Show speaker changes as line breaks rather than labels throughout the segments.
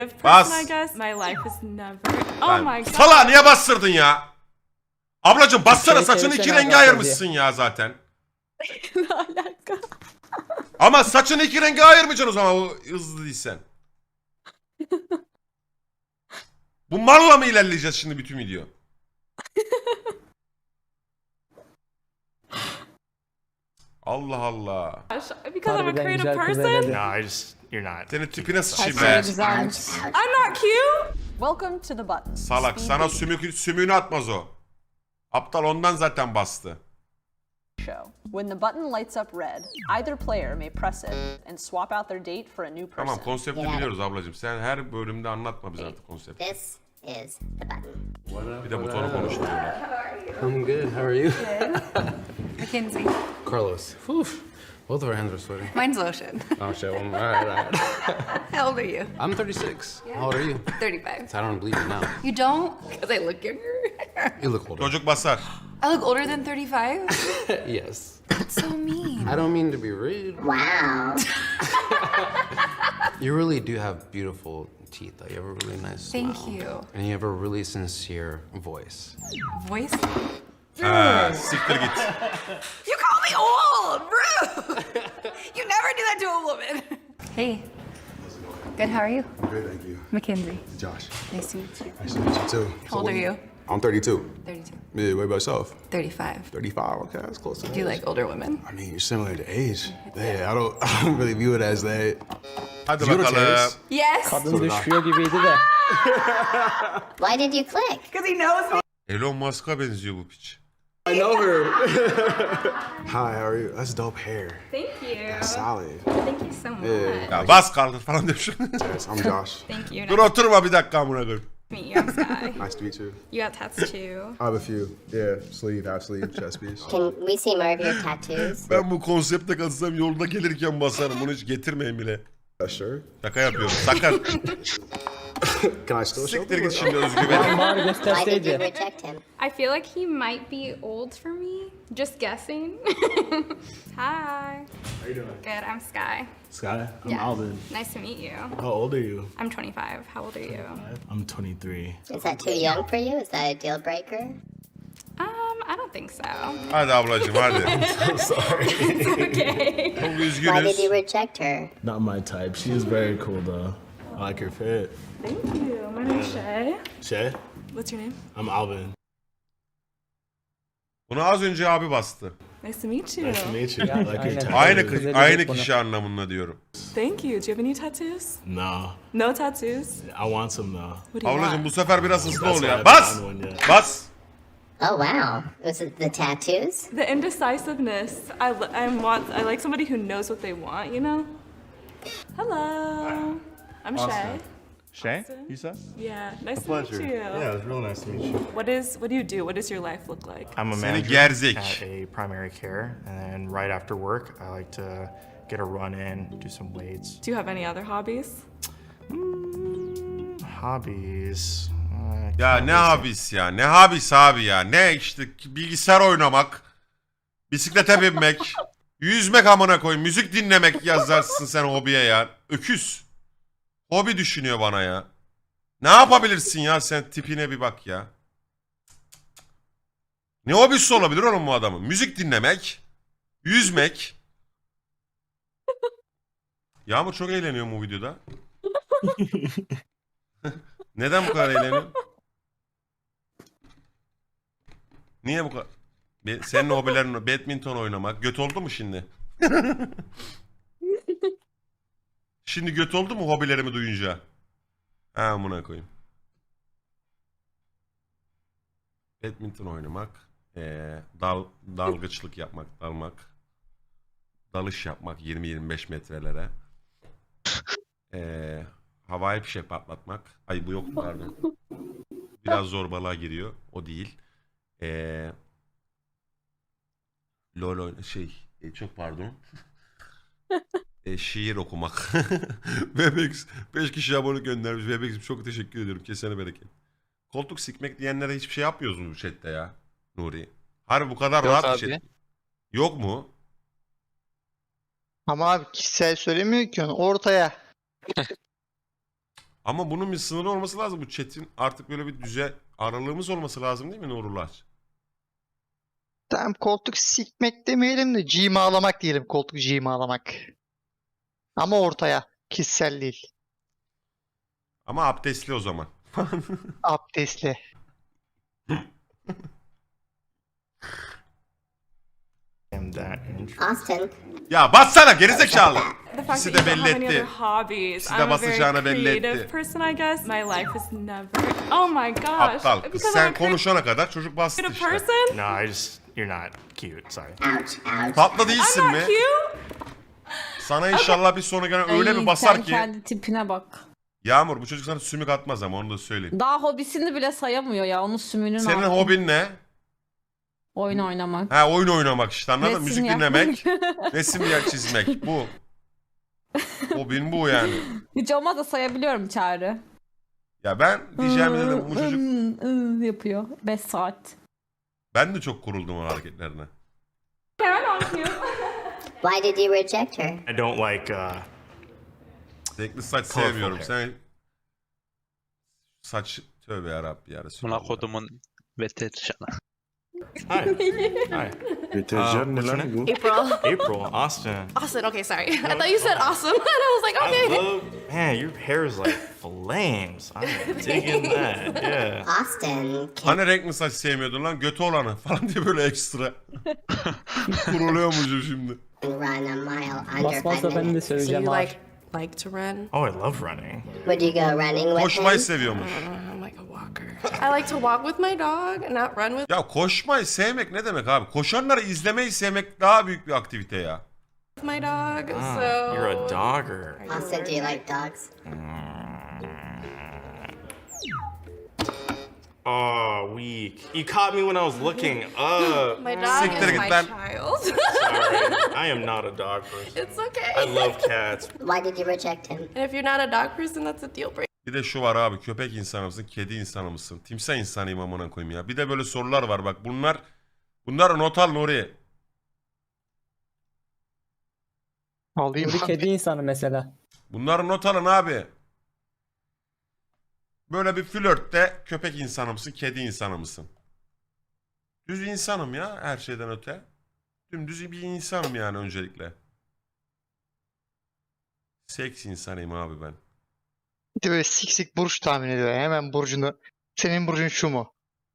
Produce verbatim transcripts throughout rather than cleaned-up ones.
Bas.
I guess my life is never. Oh
Lan,
my god.
Sala niye bastırdın ya? Ablacım bassana,
Şey,
saçını
şey,
iki
sen
renge
alakalı
ayırmışsın ya zaten.
Ne alaka?
Ama saçını iki renge ayırmayacaksın o zaman, o hızlı değilsen. Bu malla mı ilerleyeceğiz şimdi bütün video? Allah Allah.
Because I'm a
Harbiden
creative
güzel kız
person.
herhalde.
No, I just you're not.
Senin tipine sıçayım
Saçları
be.
güzelmiş.
I'm not cute.
Welcome to the button.
Salak, sana sümük, sümüğünü atmaz o. Aptal ondan zaten bastı.
Show. When the button lights up red, either player may press it and swap out their date for a new person.
Tamam, konsepti
Yani.
biliyoruz ablacığım. Sen her bölümde anlatma bize artık konsepti.
This is the button.
Bir de butonu konuşturuyorlar.
I'm good. How are you?
Mackenzie.
Carlos. Whew. Both of our hands are sweaty.
Mine's lotion.
Oh shit. Well, all right, all right.
How old are you?
I'm thirty-six. How old are you?
thirty-five.
I don't believe it now.
You don't? Because I look younger.
You look older.
Çocuk basar.
I look older than thirty-five?
Yes.
That's so mean.
I don't mean to be rude.
Wow.
You really do have beautiful teeth. Though. You have a really nice
Thank
smile.
you.
And you have a really sincere voice.
Voice?
Ha, siktir git.
You call me old! Rude! You never do that to a woman. Hey. Good, how are you?
Good, thank you.
Mackenzie.
Josh,
Nice to meet you.
nice to meet you too.
How old are you?
I'm thirty-two.
thirty-two.
Yeah, what about yourself?
thirty-five.
thirty-five. Okay, that's close to
Do you
age.
like older women?
I mean, you're similar to age. Yeah, I don't, I don't really view it as that.
Hadi
You know
bakalım.
Terrence?
Yes!
Kadın düşüyor gibiydi de.
Why did you click?
Because he knows me.
Elon Musk'a benziyor bu piç.
I know her. Hi, how are you? That's dope hair.
Thank you.
That's solid.
Thank you so much.
Yeah.
Ya bas kaldır falan demiş.
Yes, I'm Josh.
Thank you.
Dur oturma bir dakika amına koyayım.
Nice to meet you. I'm Sky.
Nice to meet you.
You got tats too.
I have a few. Yeah, sleeve, half sleeve, chest piece.
Can we see more of your tattoos?
Ben bu konsepte katılsam yolda gelirken basarım. Bunu hiç getirmeyin bile.
That's sure.
Şaka yapıyorum. Sakar.
Can I still show
Siktir
them?
git şimdi özgüven.
Bari
Why did you
gösterseydi.
reject him?
I feel like he might be old for me. Just guessing. Hi.
How you doing?
Good. I'm Sky.
Sky, I'm
Yeah.
Alvin.
Nice to meet you.
How old are you?
I'm twenty-five. How old are you?
I'm twenty-three.
Is that too young for you? Is that a deal breaker?
Um, I don't think so.
Hadi ablacığım hadi.
Sorry.
Okay.
Çok
Why did
üzgünüz.
you reject her?
Not my type. She is very cool though. I like her fit.
Thank you. My name's Shay.
Shay,
What's your name?
I'm Alvin.
Bunu az önce abi bastı.
Nice to meet you.
Nice to meet you. I
Yeah,
like
I
your
know.
tattoos.
Aynı
Kız
kı-
edecek
aynı
bunu.
kişi anlamında diyorum.
Thank you. Do you have any tattoos?
No,
No tattoos.
I want some though.
What do you
Ablacığım
want?
bu sefer biraz hızlı
That's
ol
why I
ya.
haven't
Bas!
found one yet.
Bas!
Oh wow. Was it the tattoos?
The indecisiveness. I, li- I want. I like somebody who knows what they want. You know. Hello. I'm Shay.
Shay,
Austin.
you said?
Yeah. Nice to meet you.
Yeah, it's real nice to meet you.
What is? What do you do? What does your life look like?
I'm a
Seni
manager
gerzek.
at a primary care, and then right after work, I like to get a run in, do some weights.
Do you have any other hobbies?
Hobbies. uh,
Ya ne habis ya? Ne habis abi ya? Ne işte bilgisayar oynamak, bisiklete binmek, yüzmek amına koy, müzik dinlemek yazarsın sen hobiye ya. Öküz. Hobi düşünüyor bana ya. Ne yapabilirsin ya sen, tipine bir bak ya. Ne hobisi olabilir oğlum bu adamın? Müzik dinlemek, yüzmek. Yağmur çok eğleniyor bu videoda. Neden bu kadar eğleniyor? Niye bu kadar? Be- Senin hobilerin badminton oynamak. Göt oldu mu şimdi? Şimdi göt oldu mu hobilerimi duyunca? Ha amına koyayım. Badminton oynamak, ee, dal dalgıçlık yapmak, dalmak, dalış yapmak yirmi yirmi beş metrelere, ee, havai fişek patlatmak. Ay bu yok pardon. Biraz zorbalığa giriyor. O değil. Ee, LOL oyna şey e, çok pardon. e, şiir okumak. Webex beş kişi abone göndermiş. Webex'im çok teşekkür ediyorum. Kesene bereket. Koltuk sikmek diyenlere hiçbir şey yapmıyoruz mu bu chatte ya? Nuri. Harbi bu kadar
Yok
rahat bir
abi.
chat. Yok mu?
Ama abi kişisel söylemiyor ki onu ortaya.
Ama bunun bir sınırı olması lazım. Bu chat'in artık böyle bir düze aralığımız olması lazım değil mi Nurullah?
Tamam, koltuk sikmek demeyelim de cimalamak diyelim, koltuk cimalamak. Ama ortaya, kişisel değil.
Ama abdestli o zaman.
Abdestli.
am that interested.
Austin,
Ya bassana gerizekalı.
The fact
İkisi
that
de
you don't
belli
have any other
etti.
hobbies.
İkisi de
I'm a very
basacağını belli
creative
etti.
person, I guess. My life is never. Oh my gosh.
Aptal kız.
Because I'm
Sen
a creative
konuşana kadar çocuk bastı işte.
person.
No, I just you're not cute. Sorry.
ouch, ouch.
Tatlı değilsin
I'm
mi?
not cute.
Sana inşallah bir sonra gelen öyle bir basar ki.
kendi tipine bak.
Yağmur bu çocuk sana sümük atmaz ama onu da söyleyeyim.
Daha hobisini bile sayamıyor ya. Onun sümüğünün
Senin
altı.
hobin ne?
Oyun oynamak.
Ha oyun oynamak işte anladın mı?
Resim
Müzik
yapmak.
dinlemek, resim ya çizmek bu. Hobin bu yani.
Hiç olmazsa sayabiliyorum Çağrı.
Ya ben diyeceğimi dedim bu çocuk.
Iı, ıı yapıyor. beş saat.
Ben de çok kuruldum o hareketlerine.
Yeah, I'm not cute.
Why did you reject her?
I don't like uh
Renkli saç
Colorful
sevmiyorum.
hair.
Sen saç tövbe yarabbi ya Resulallah.
Buna kodumun veterişanı.
Hi. Hi.
Deterjan
Uh,
ne
what's your
lan
name?
bu?
April.
April, Austin.
Austin, okay, sorry. I thought you said awesome. And I was like,
I
okay.
love, man, your hair is like flames. I'm digging that. Yeah.
Austin, can
Hani renkli saç sevmiyordun lan götü olanı falan diye böyle ekstra. Kuruluyormuşum şimdi.
run a mile under five minutes?
So you like like to run?
Oh, I love running.
Would you go running with
Koşmayı
him?
seviyormuş.
I'm like a walker. I like to walk with my dog, not run with
Ya koşmayı sevmek ne demek abi? Koşanları izlemeyi sevmek daha büyük bir aktivite ya.
my dog.
Ah,
so
you're a dogger.
Austin, do you like dogs?
Oh, weak. You caught me when I was looking up.
my dog
Siktir
is
git
my
lan.
child.
Sorry. I am not a dog person.
It's okay.
I love cats.
Why did you reject him?
And if you're not a dog person, that's a deal breaker.
Bir de şu var abi köpek insanı mısın, kedi insanı mısın? Timsah insanıyım amına koyayım ya. Bir de böyle sorular var bak bunlar bunlar not al Nuri.
Alayım.
Kedi insanı mesela.
Bunları not alın abi. Böyle bir flörtte köpek insanı mısın, kedi insanı mısın? Düz insanım ya her şeyden öte. Dümdüz bir insanım yani öncelikle. Seks insanıyım abi ben.
Bir de böyle sik sik burç tahmin ediyor. Hemen burcunu. Senin burcun şu mu?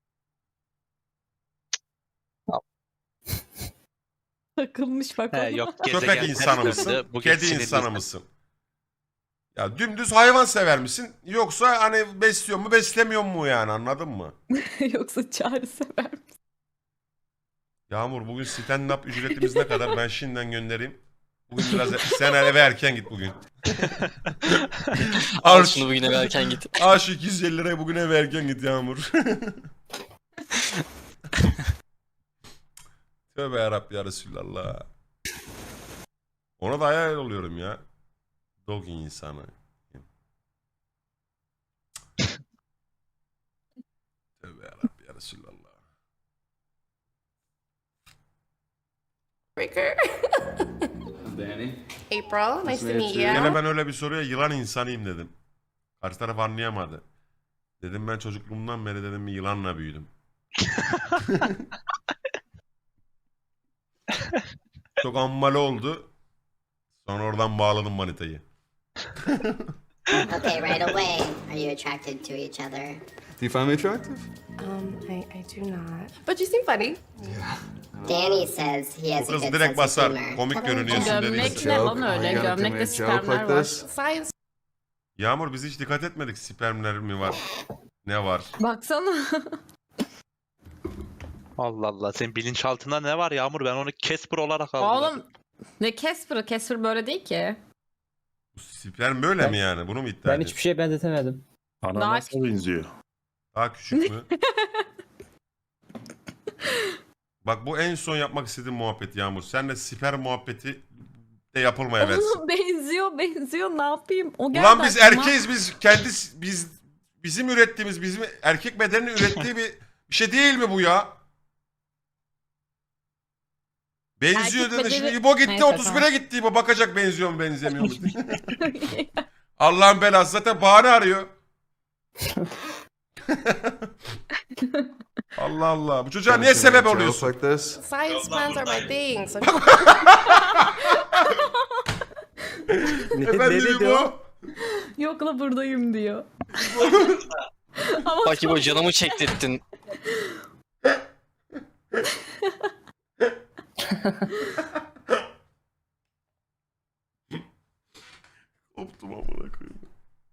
Takılmış bak.
He yok
Köpek
gezegen
insanı
ters
mısın,
döndü, bugün
kedi
sinirli.
insanı mısın? Ya dümdüz hayvan sever misin? Yoksa hani besliyor mu beslemiyor mu yani anladın mı?
Yoksa Çağrı sever.
Yağmur bugün stand-up ücretimiz ne kadar? Ben şimdiden göndereyim. Bugün biraz sen eve erken git bugün. Al şunu
bugün eve erken git.
al şu iki yüz elli liraya bugün eve erken git Yağmur. Tövbe yarabbi ya Resulallah. Ona da hayal oluyorum ya. Dog insanı. Tövbe yarabbi ya Resulallah.
Breaker.
Danny.
April, nice to meet
Gene
you.
ben öyle bir soruya yılan insanıyım dedim. Karşı taraf anlayamadı. Dedim ben çocukluğumdan beri dedim bir yılanla büyüdüm. Çok ammali oldu. Sonra oradan bağladım manitayı.
Okay, right away. Are you attracted to each other?
Do you find me attractive?
Um, I, I do not. But you seem funny.
Danny says he
Bu
has a
kız
good
direkt
sense of
basar.
humor.
Komik görünüyorsun
Gömlek
dediyse.
ne
Joke.
lan öyle?
You gotta give me
Gömlekte
a joke
spermler
like
var.
this?
Science.
Yağmur biz hiç dikkat etmedik spermler mi var? Ne var?
Baksana.
Allah Allah senin bilinçaltında ne var Yağmur ben onu Casper olarak aldım.
Oğlum ne Casper'ı? Casper böyle değil ki.
Bu sperm böyle mi yani? Bunu mu iddia
Ben
ediyorsun?
hiçbir şeye benzetemedim.
Daha
benziyor?
Daha küçük mü? Bak bu en son yapmak istediğim muhabbet Yağmur. Senle sperm muhabbeti de yapılmaya versin.
Oğlum benziyor benziyor ne yapayım? O geldi
Ulan biz
aklıma.
erkeğiz biz kendi biz bizim ürettiğimiz bizim erkek bedeninin ürettiği bir, bir şey değil mi bu ya? Benziyor
Erkek
dedi. Şimdi
bedeni-
İbo gitti
Neyse,
otuz bire gitti İbo bakacak benziyor mu benzemiyor mu? Allah'ın belası zaten bahane arıyor. Allah Allah. Bu çocuğa niye sebep oluyorsun?
Like this?
Science puns are my thing. So
Efendim bu?
Yok la buradayım diyor.
Bak bu canımı çektirdin.
Koptum amına koyayım.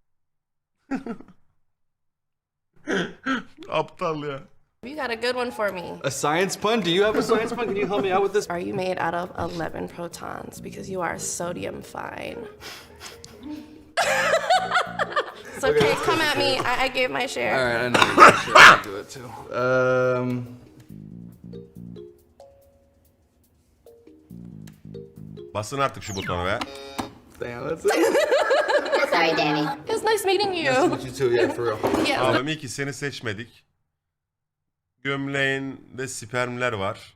Aptal ya.
you got a good one for me.
A science pun? Do you have a science pun? Can you help me out with this?
Are you made out of eleven protons because you are sodium fine? It's okay, come at me. I, I gave my share.
All right, I know you should I'll do it too. Um.
Basın artık şu butona be.
Damn, that's it.
Sorry, Danny.
It's nice meeting
Nice to
you.
meet you too. Yeah, for real.
Yes.
Abim iyi ki seni seçmedik. Gömleğinde spermler var.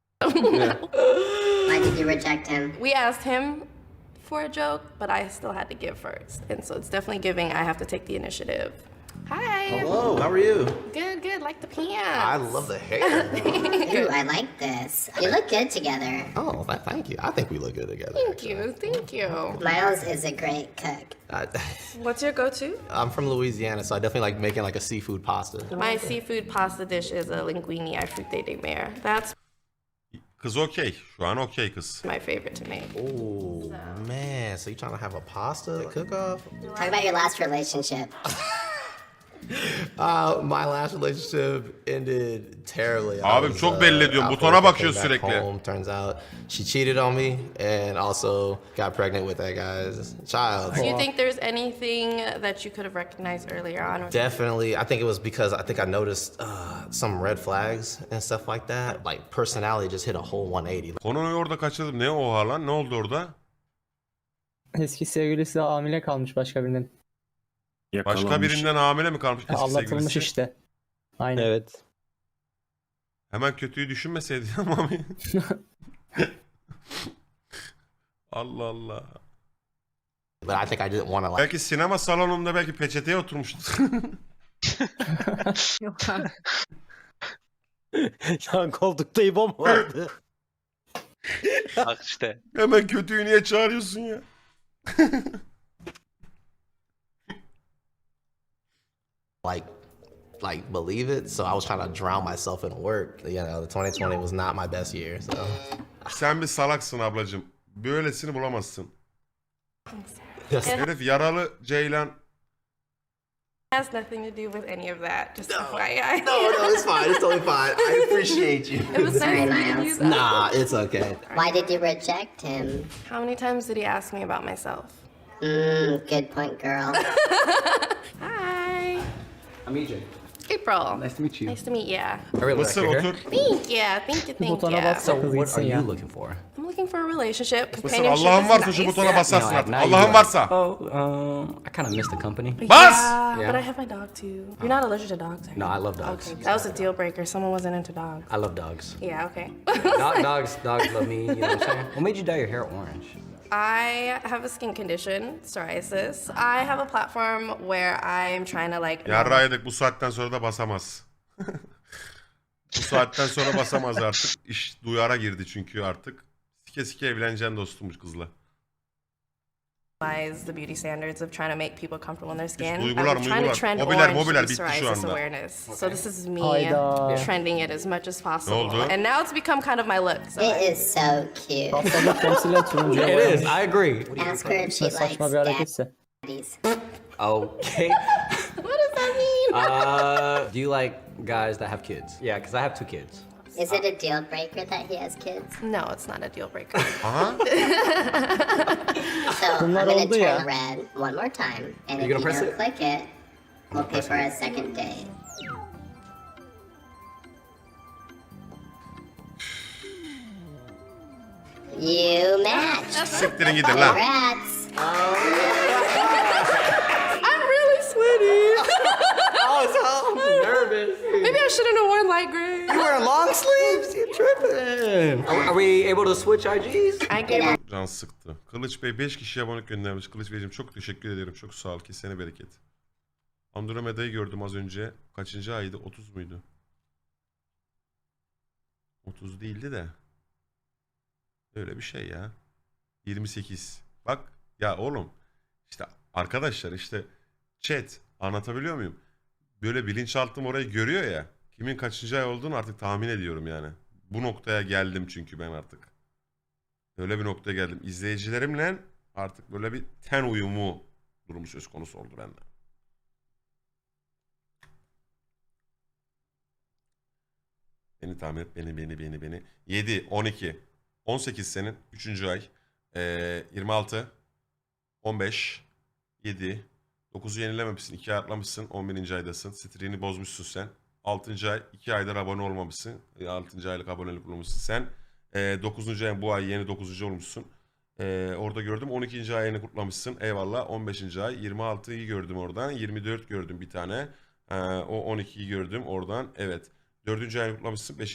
Why did you reject him?
We asked him for a joke, but I still had to give first. And so it's definitely giving. I have to take the initiative. Hi.
Hello, how are you?
Good, good. Like the pants.
I love the hair.
Ooh, I like this. You look good together.
Oh, th- thank you. I think we look good together.
Thank you, thank you.
Miles is a great cook.
I,
What's your go-to?
I'm from Louisiana, so I definitely like making like a seafood pasta.
My seafood pasta dish is a linguine à fruits de mer. That's
Kız okey. Şu an okey kız.
my favorite to make.
Oh man, so you trying to have a pasta cook-off?
Talk about your last relationship.
Uh, my last relationship ended terribly. I
Abim
was,
çok
uh,
belli ediyorum.
out
Butona
for work, I
bakıyor
came back
sürekli.
home. Turns out she cheated on me and also got pregnant with that guy's child.
Do you think there's anything that you could have recognized earlier on? Or
Definitely. I think it was because I think I noticed uh, some red flags and stuff like that. Like personality just hit a whole one eighty.
Konuyu orada kaçırdım. Ne oha lan? Ne oldu orada?
Eski sevgilisi hamile kalmış başka birinden.
Başka birinden hamile mi kalmış eski
Aldatılmış
sevgilisi?
işte. Aynen.
Evet.
Hemen kötüyü düşünmeseydi ama. Allah Allah.
But I think I didn't want to like.
Belki sinema salonunda belki peçeteye oturmuştu.
Yok abi.
Yan koltukta İbo mu vardı?
Bak işte.
Hemen kötüyü niye çağırıyorsun ya?
like like believe it, so I was trying to drown myself in work. You know, the twenty twenty was not my best year, so
Sen bir salaksın ablacığım. Böylesini bulamazsın.
Yes.
Herif yaralı Ceylan.
has nothing to do with any of that. Just F Y I.
No, no, it's fine. It's totally fine. I appreciate you.
It was
Sorry,
nice meeting
Miles.
you. though.
Nah, it's okay.
Why did you reject him?
How many times did he ask me about myself?
Mmm, good point, girl.
Hi.
I'm E J.
April.
Nice to meet you.
Nice to meet you.
I really
Nasıl
like your hair.
otur?
Thank you. Thank you. Thank
Butona
you.
bassa kız
What are
gitsin
you
ya.
looking for?
I'm looking for a relationship.
Mısır
Companionship
Allah'ın
is
varsa şu
nice.
butona basarsın
No,
artık.
now you
Allah'ın
are.
varsa.
Oh, um, I kind of missed the company.
Bas!
Yeah,
Yeah.
but I have my dog too. You're not allergic to dogs, are
No,
you?
I love dogs.
Okay, that was a deal breaker. Someone wasn't into dogs.
I love dogs.
Yeah, okay.
Do- dogs, dogs love me. You know what I'm saying? What made you dye your hair orange?
I have a skin condition, psoriasis. I have a platform where I'm trying to like.
Yarra yedik bu saatten sonra da basamaz. Bu saatten sonra basamaz artık. İş duyara girdi çünkü artık. Sike sike evleneceksin dostum bu kızla.
Normalize the beauty standards of trying to make people comfortable in their skin.
duygular,
I'm trying to
duygular.
trend
Mobiler,
orange
mobiler
to
bitti şu
psoriasis
anda.
awareness. So this is me
Hayda.
trending it as much as possible.
oldu?
And now it's become kind of my look. So
It is so cute.
Hastalık temsilen turuncuya
It
boyamış.
is. I agree.
Ask her if she
Ne
likes
saçma bir hareketse.
daddies.
Okay.
what does that mean?
Uh, do you like guys that have kids? Yeah, because I have two kids.
Is it a deal breaker that he has kids?
No, it's not a deal breaker.
Aha.
So I'm
Bunlar
gonna
oldu ya.
turn red one more time, and
You
if you
gonna press
don't
it?
click it, we'll pay for a second date. You matched.
Siktirin gidin lan.
Congrats.
I'm really sweaty.
Oh, so I'm nervous.
Maybe I shouldn't have worn light gray.
You wearing long sleeves? You tripping? Are, are we able to switch I Gs?
I gave him
can sıktı. Kılıç Bey beş kişi abonelik göndermiş. Kılıç Beyciğim çok teşekkür ederim. Çok sağ ol. Kesene bereket. Andromeda'yı gördüm az önce. Kaçıncı aydı? otuz muydu? otuz değildi de. Öyle bir şey ya. yirmi sekiz. Bak ya oğlum. İşte arkadaşlar işte chat anlatabiliyor muyum? Böyle bilinçaltım orayı görüyor ya. Kimin kaçıncı ay olduğunu artık tahmin ediyorum yani. Bu noktaya geldim çünkü ben artık. Öyle bir noktaya geldim. İzleyicilerimle artık böyle bir ten uyumu durumu söz konusu oldu bende. Beni tahmin et, beni, beni, beni, beni. yedi, on iki, on sekiz senin. üçüncü ay. Ee, yirmi altı, on beş, yedi, dokuzu yenilememişsin. iki ay atlamışsın. on birinci aydasın. Streak'ini bozmuşsun sen. altıncı ay. iki aydır abone olmamışsın. altıncı aylık abonelik olmuşsun sen. Ee, dokuzuncu ay bu ay yeni dokuzuncu olmuşsun. Ee, orada gördüm. on ikinci ayını kutlamışsın. Eyvallah. on beşinci ay. yirmi altıyı gördüm oradan. yirmi dört gördüm bir tane. Ee, o on ikiyi gördüm oradan. Evet. dördüncü ayını kutlamışsın. beşinci